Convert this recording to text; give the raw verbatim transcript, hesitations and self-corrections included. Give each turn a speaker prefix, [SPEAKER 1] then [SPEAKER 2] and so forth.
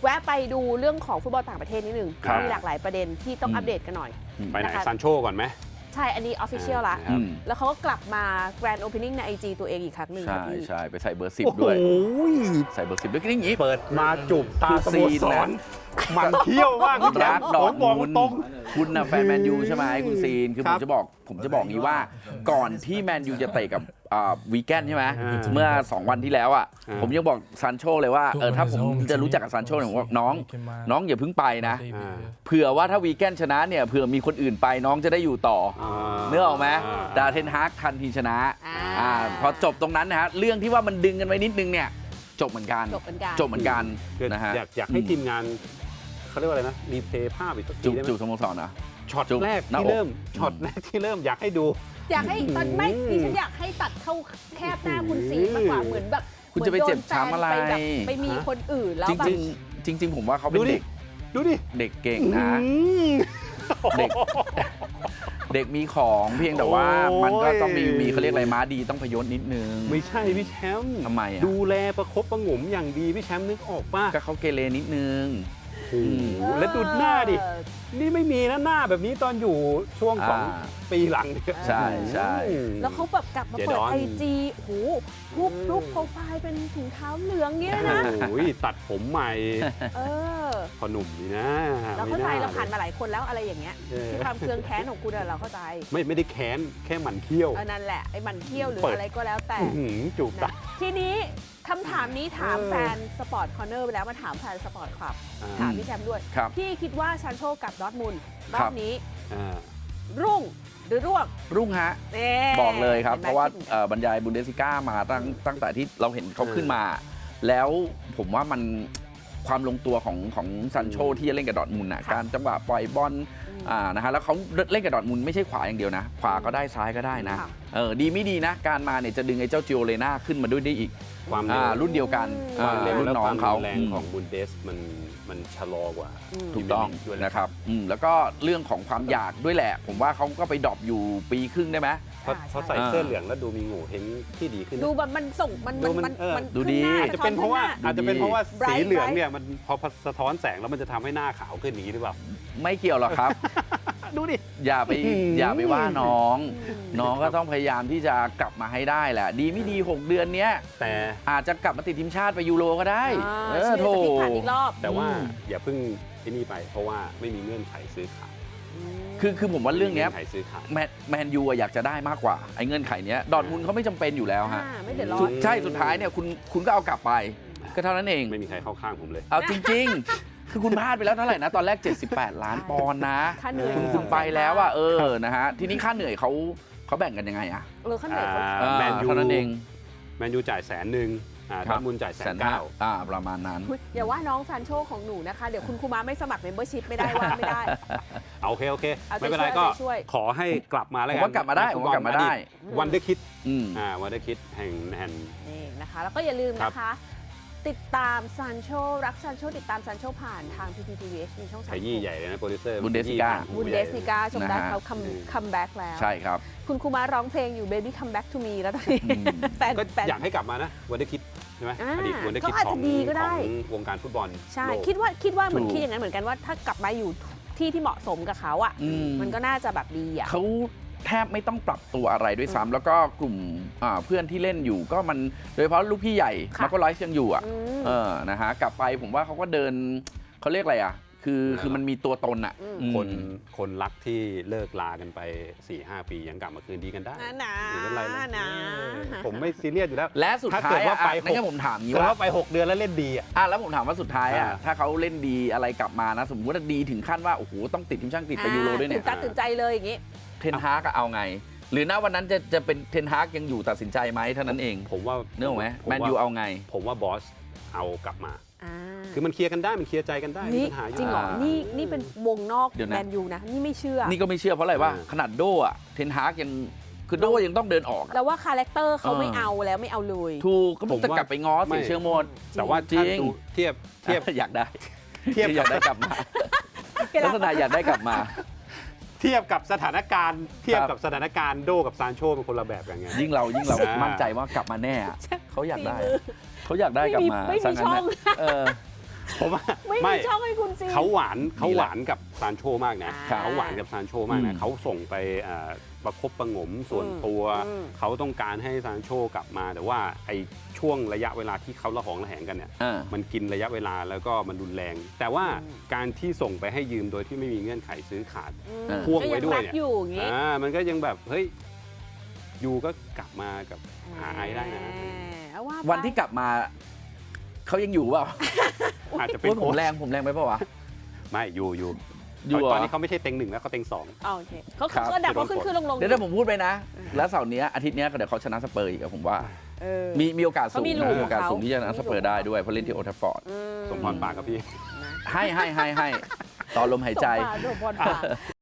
[SPEAKER 1] แวะไปดูเรื่องของฟุตบอลต่างประเทศนิดนึงมีหลากหลายประเด็นที่ต้องอัปเดตกันหน่อย
[SPEAKER 2] ไปไหนซานโชก่อนไหม
[SPEAKER 1] ใช่อันนี้ออฟฟิเชียลละแล้วเขาก็กลับมาแกรนด์โอเพนนิ่งใน ไอ จี ตัวเองอีกครั้งหนึ่ง
[SPEAKER 3] ใช่ใช่ไปใส่เบอร์สิบด้วยใส่เบอร์สิบด้วยก็อย่างนี้
[SPEAKER 2] เปิดมาจูบตาสโมสรมันเที่ยวมากพี่แจ๊ค
[SPEAKER 3] ดอทมุนคุณนะแฟนแมนยูใช่ไหมคุณซีนคือผมจะบอกผมจะบอกงี้ว่าก่อนที่แมนยูจะเตะกับวีแกนใช่ไหมเมื่อสองวันที่แล้วอ่ะผมยังบอกซานโชเลยว่าเออถ้าผมจะรู้จักกับซานโชเนี่ยผมบอกน้องน้องอย่าเพิ่งไปนะเผื่อว่าถ้าวีแกนชนะเนี่ยเผื่อมีคนอื่นไปน้องจะได้อยู่ต่อเนื้อออกไหมดาเทนฮากทันทีชนะพอจบตรงนั้นนะฮะเรื่องที่ว่ามันดึงกันไว้นิดนึงเนี่ยจบเหมือนกัน
[SPEAKER 1] จบเหมือนกัน
[SPEAKER 3] จบเหมือนกันนะฮะ
[SPEAKER 2] อยากอยากให้ทีมงานเขาเรียกว่าอะไรนะรีเพลย์ภาพอีกสักทีได้ไหม
[SPEAKER 3] จูบสโมสรนะ
[SPEAKER 2] ช็อตแรกที่เริ่มช็อตแรกที่เริ่มอยากให้ดู
[SPEAKER 1] อยากให้ตอนไม่ดิฉันอยากให้ตัดเข้าแคบหน้าคุณซีมากกว่าเหมือนแบบ
[SPEAKER 3] คุณจะไปเจ็บช้ำอะไร
[SPEAKER 1] ไปมีคนอื่นแล้ว
[SPEAKER 3] จริงจริงจริงผมว่าเขาเป็นเด็ก
[SPEAKER 2] ดูดิ
[SPEAKER 3] เด็กเก่งนะเด็กเด็กมีของเพียงแต่ว่ามันก็ต้องมีมีเขาเรียกอะไรม้าดีต้องพยศนิดนึง
[SPEAKER 2] ไม่ใช่พี่แชมป์
[SPEAKER 3] ทำไมอ่ะ
[SPEAKER 2] ดูแลประคบประหงมอย่างดีพี่แชมป์นึกออกป่ะ
[SPEAKER 3] ก็เขาเกเรนิดนึง
[SPEAKER 2] แล้วดูหน้าดินี่ไม่มีนะหน้าแบบนี้ตอนอยู่ช่วงสองปีหลัง
[SPEAKER 3] ใช่ใช่
[SPEAKER 1] แล้วเขาแบบกลับมาเปิดไอจีโอ้โหรูปรูปโปรไฟล์เป็นถุงเท้าเหลืองเงี้ยนะ
[SPEAKER 2] โอ้ยตัดผมใหม่
[SPEAKER 1] เออ
[SPEAKER 2] พอหนุ่มดีนะ
[SPEAKER 1] เราเข้าใจเราผ่านมาหลายคนแล้วอะไรอย่างเงี้ยที่ความเคืองแค้นของคุณเราเข้าใจ
[SPEAKER 2] ไม่ไม่ได้แค้นแค่หมั่นเที่ยว
[SPEAKER 1] นั่นแหละไอ้หมั่นเที่ยวหรืออะไรก็แล้วแต่
[SPEAKER 2] จูบตา
[SPEAKER 1] ทีนี้คำถามนี้ถามแฟนสปอร์ตคอร์เนอร์ไปแล้วมาถามแฟนสปอร์ตคลับถามพี่แชมป์ด้วยพี่คิดว่าซานโชกับดอร์ทมุนด์รอบนี้รุ่งหรือร่วง
[SPEAKER 3] รุ่งฮะบอกเลยครับเพราะว่าบรรยายบุนเดสลิก้ามาตั้งตั้งแต่ที่เราเห็นเขาขึ้นมาแล้วผมว่ามันความลงตัวของของซานโชที่จะเล่นกับดอร์ทมุนด์การจังหวะปล่อยบอลนะฮะแล้วเขาเล่นกับดอร์ทมุนด์ไม่ใช่ขวาอย่างเดียวนะขวาก็ได้ซ้ายก็ได้นะเออดีไม่ดีนะการมาเนี่ยจะดึงไอ้เจ้าจิโอเลน่าขึ้นมาด้วยได้อีก
[SPEAKER 2] ความ
[SPEAKER 3] รุ่นเดียวกันรุ่นน้องเขา
[SPEAKER 2] แรงของบุนเดสมันมันชะลอกว่า
[SPEAKER 3] ถูกต้องนะครับแล้วก็เรื่องของความอยากด้วยแหละผมว่าเขาก็ไปดรอปอยู่ปีครึ่งได้ไหม
[SPEAKER 2] เพราะใส่เสื้อเหลืองแล้วดูมีโง่เฮงที่ดีขึ้น
[SPEAKER 1] ดูแบบมันส่งมันมันมัน
[SPEAKER 3] ดูดี
[SPEAKER 2] อาจจะเป็นเพราะว่าอาจจะเป็นเพราะว่าสีเหลืองเนี่ยมันพอสะท้อนแสงแล้วมันจะทำให้หน้าขาวขึ้นอย่างนี้หรือเปล่า
[SPEAKER 3] ไม่เกี่ยวหรอกครับ
[SPEAKER 2] ดูดิ
[SPEAKER 3] อย่าไปอย่าไปว่าน้องน้องก็ต้องพยายามที่จะกลับมาให้ได้แหละดีไม่ดีหกเดือนเนี้ย
[SPEAKER 2] แต่
[SPEAKER 3] อาจจะกลับมาติดทีมชาติไปยูโรก็ได้
[SPEAKER 1] เออโถ
[SPEAKER 2] แต่ว่าอย่าเพิ่งที่นี่ไปเพราะว่าไม่มีเงื่อนไขซื้อขาย
[SPEAKER 3] คือคือผมว่าเรื่องนี้แมนแมนยูอยากจะได้มากกว่าไอ้เงื่อนไขนี้ดอร์ทมุนด์เขาไม่จำเป็นอยู่แล้วฮะใช่สุดท้ายเนี่ยคุณคุณก็เอากลับไปก็เท่านั้นเอง
[SPEAKER 2] ไม่มีใครเข้าข้างผมเลย
[SPEAKER 3] เอาจริงๆคือคุณพลาดไปแล้วเท่าไหร่นะตอนแรกเจ็ดสิบแปดล้านปอนด์นะคุณคุณไปแล้วอ่ะเออนะฮะทีนี้ค่าเหนื่อยเขาเขาแบ่งกันยังไงอ่ะ
[SPEAKER 1] เออค่าเหนื่อย
[SPEAKER 2] แมนยู
[SPEAKER 3] เท่านั้นเอง
[SPEAKER 2] แมนยูจ่ายแสนหนึ่งดอร์ทมุนด์จ่ายแสนเก้า
[SPEAKER 3] อ่าประมาณนั้น
[SPEAKER 1] อย่าว่าน้องซานโชของหนูนะคะเดี๋ยวคุณครูม้าไม่สมัครเมมเบอร์ชิพไม่ได้ว่าไม่ได้
[SPEAKER 2] โอเคโอเคไม่เป็นไรก็ขอให้กลับมาแล้วกัน
[SPEAKER 3] ผมว่ากลับมาได้ผมว่ากลับมาได้
[SPEAKER 2] วันเดอร์คิดอ่าวันเดอร์คิดแห่งแห่ง
[SPEAKER 1] นี่นะคะแล้วก็อย่าลืมนะคะติดตามซานโชรักซานโชติดตามซานโชผ่านทาง พี พี ที วี เอช มีช่องสาม
[SPEAKER 2] ขยี้ใหญ่เลยนะโปรดิวเซอร์
[SPEAKER 3] บุนเดสลิก้า
[SPEAKER 1] บุนเดสลิก้าชมได้เขาคัมแบ็กแล้ว
[SPEAKER 3] ใช่ครับ
[SPEAKER 1] คุณครูม้าร้องเพลงอยู่ Baby Come Back to Me แล้วตอนนี้แฟน
[SPEAKER 2] ก็อยากให้กลับมานะวันเดอร์คิดใช่ไหมอดีตวันเดอร์คิดของวงการฟุตบอล
[SPEAKER 1] ใช่คิดว่าคิดว่าเหมือนคิดอย่างนั้นเหมือนกันว่าถ้ากลับมาอยู่ที่ที่เหมาะสมกับเขาอ่ะมันก็น่าจะแบบดีอ่ะ
[SPEAKER 3] เขาแทบไม่ต้องปรับตัวอะไรด้วยซ้ำแล้วก็กลุ่มเพื่อนที่เล่นอยู่ก็มันโดยเฉพาะลูกพี่ใหญ่มาร์โกไลฟ์ยังอยู่อ่ะเออนะฮะกลับไปผมว่าเขาก็เดินเขาเรียกอะไรอ่ะคือคือมันมีตัวตนอ่ะ
[SPEAKER 2] คนคนรักที่เลิกลากันไป สี่ห้า ปียังกลับมาคืนดีกันได้
[SPEAKER 1] นะ
[SPEAKER 2] นะผมไม่ซีเรียสอยู่แล้ว
[SPEAKER 3] และสุดท้าย
[SPEAKER 2] ว่าไป
[SPEAKER 3] นั่นก็ผมถามงี้
[SPEAKER 2] ว่าไปหกเดือนแล้วเล่นดีอ่ะ
[SPEAKER 3] แล้วผมถามว่าสุดท้ายอ่ะถ้าเขาเล่นดีอะไรกลับมานะสมมติว่าดีถึงขั้นว่าโอ้โหต้องติดทีมชาติติดไปยูโรด้วยเนี่ย
[SPEAKER 1] ตื่นตาตื่นใจเลยอย่างงี้
[SPEAKER 3] เทนฮากเอาไงหรือณวันนั้นจะจะเป็นเทนฮากยังอยู่ตัดสินใจไหมเท่านั้นเอง
[SPEAKER 2] ผมว่า
[SPEAKER 3] เนื้อไหมแมนยูเอาไง
[SPEAKER 2] ผมว่าบอสเอากลับมาคือมันเคลียร์กันได้มันเคลียร์ใจกันได้
[SPEAKER 1] มีปัญหาอยู่จริงเหรอนี่นี่เป็นวงนอกแมนยูนะนี่ไม่เชื่อ
[SPEAKER 3] นี่ก็ไม่เชื่อเพราะอะไรว่าขนาดโดอ่ะเทนฮากยังคือโดยังต้องเดินออก
[SPEAKER 1] แล้วว่าคาแรคเตอร์เขาไม่เอาแล้วไม่เอาเลย
[SPEAKER 3] ถูกก็จะกลับไปง้อเสียเชื่อหมด
[SPEAKER 2] แต่ว่าจริงเทียบเทียบ
[SPEAKER 3] อยากได้เทียบอยากได้กลับมาลักษณะอยากได้กลับมา
[SPEAKER 2] เทียบกับสถานการณ์เทียบกับสถานการณ์โดกับซานโชเป็นคนละแบบกันไง
[SPEAKER 3] ยิ่งเรายิ่งเรามั่นใจว่ากลับมาแน่เขาอยากได้เขาอยากได้กลับมา
[SPEAKER 1] ไม่มีช่อง
[SPEAKER 2] ผมว่า
[SPEAKER 1] ไม่
[SPEAKER 2] ไม่
[SPEAKER 1] มีช่องให้คุณซีน
[SPEAKER 2] เขาหวานเขาหวานกับซานโชมากนะ
[SPEAKER 1] อ่า
[SPEAKER 2] เขาหวานกับซานโชมาก
[SPEAKER 3] อื
[SPEAKER 2] นะ
[SPEAKER 3] ม
[SPEAKER 2] เขาส่งไปอ่าประคบประหงมส่วนตัว
[SPEAKER 1] อืม
[SPEAKER 2] เขาต้องการให้ซานโชกลับมาแต่ว่าไอ้ช่วงระยะเวลาที่เขาละหองระแหงกันเนี่ย
[SPEAKER 3] อ่า
[SPEAKER 2] มันกินระยะเวลาแล้วก็มันรุนแรง แต่ว่า
[SPEAKER 1] อืม
[SPEAKER 2] การที่ส่งไปให้ยืมโดยที่ไม่มีเงื่อนไขซื้อขาด
[SPEAKER 1] อืม
[SPEAKER 3] อ่า
[SPEAKER 2] พ่วงไว้ด้วย
[SPEAKER 1] ก็ง
[SPEAKER 2] เนี่
[SPEAKER 1] รักอยู่อย่างงี้
[SPEAKER 2] อ่ามันก็ยังแบบเฮ้ยยูก็กลับมากับหาไอได้นะ
[SPEAKER 1] เอาว่าไป
[SPEAKER 3] วันที่กลับมาเขายังอยู่เปล่า
[SPEAKER 2] อาจจะเป็น
[SPEAKER 3] โอ้ยผ
[SPEAKER 2] โค้
[SPEAKER 3] ม
[SPEAKER 2] ช
[SPEAKER 3] แรงผมแรงไปเปล่าวะ
[SPEAKER 2] ไม่ยูยู
[SPEAKER 3] อยู่เหรอ
[SPEAKER 2] ตอนนี้เขาไม่ใช่เต็งหนึ่งแล้วเขาเต็งสอง
[SPEAKER 1] โอเคเขา
[SPEAKER 3] ครับ
[SPEAKER 1] เขาดับเขาขึ้นขึ้นลงลง
[SPEAKER 3] เดี๋ยวถ้าผมพูดไปนะ แล้วเสาร์เนี้ยอาทิตย์เนี้ยเดี๋ยวเขาชนะสเปอร์อีกอะผมว่า
[SPEAKER 1] เออ
[SPEAKER 3] มีมีโอกาสสูง
[SPEAKER 1] เขามีลู
[SPEAKER 3] นะ
[SPEAKER 1] ก
[SPEAKER 3] มีโอกาส
[SPEAKER 1] ของเขา
[SPEAKER 3] สูงที่จะชนะสเปอร์ได้ด้วยเพราะเล่นที่โอลด์แทราฟฟอร์ด
[SPEAKER 1] อื
[SPEAKER 2] สมพรปากกับพี่
[SPEAKER 1] นะ
[SPEAKER 3] ให้ให้ให้ให้ต่อลมหายใจ
[SPEAKER 1] สมปากสมพรปาก